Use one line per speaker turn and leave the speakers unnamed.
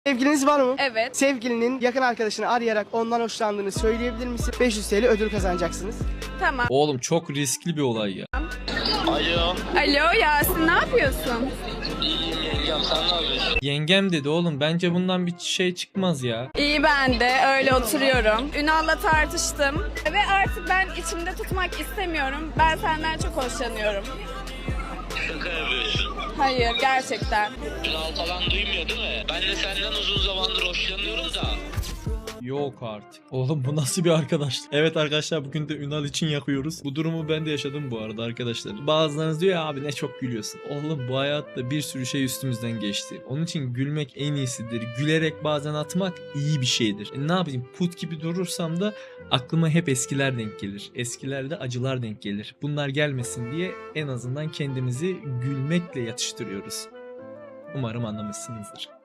Sevgiliniz var mı?
Evet.
Sevgilinin yakın arkadaşını arayarak ondan hoşlandığını söyleyebilir misin? 500 TL ödül kazanacaksınız.
Tamam.
Oğlum çok riskli bir olay ya.
Alo.
Alo Yasin, ne yapıyorsun?
İyiyim yengem, sen ne yapıyorsun?
Yengem dedi oğlum, bence bundan bir şey çıkmaz ya.
İyi, ben de öyle oturuyorum. Ünal'la tartıştım ve artık ben içimde tutmak istemiyorum. Ben senden çok hoşlanıyorum.
Şaka yapıyorsun.
Hayır, gerçekten.
Ünal falan duymuyor değil mi? Ben de senden uzun zamandır hoşlanıyorum da.
Yok artık. Oğlum bu nasıl bir arkadaşlık? Evet arkadaşlar, bugün de Ünal için yakıyoruz. Bu durumu ben de yaşadım bu arada arkadaşlar. Bazılarınız diyor ya, abi ne çok gülüyorsun. Oğlum bu hayatta bir sürü şey üstümüzden geçti. Onun için gülmek en iyisidir. Gülerek bazen atmak iyi bir şeydir. Ne yapayım, put gibi durursam da aklıma hep eskiler denk gelir. Eskilerde acılar denk gelir. Bunlar gelmesin diye en azından kendimizi gülmekle yatıştırıyoruz. Umarım anlamışsınızdır.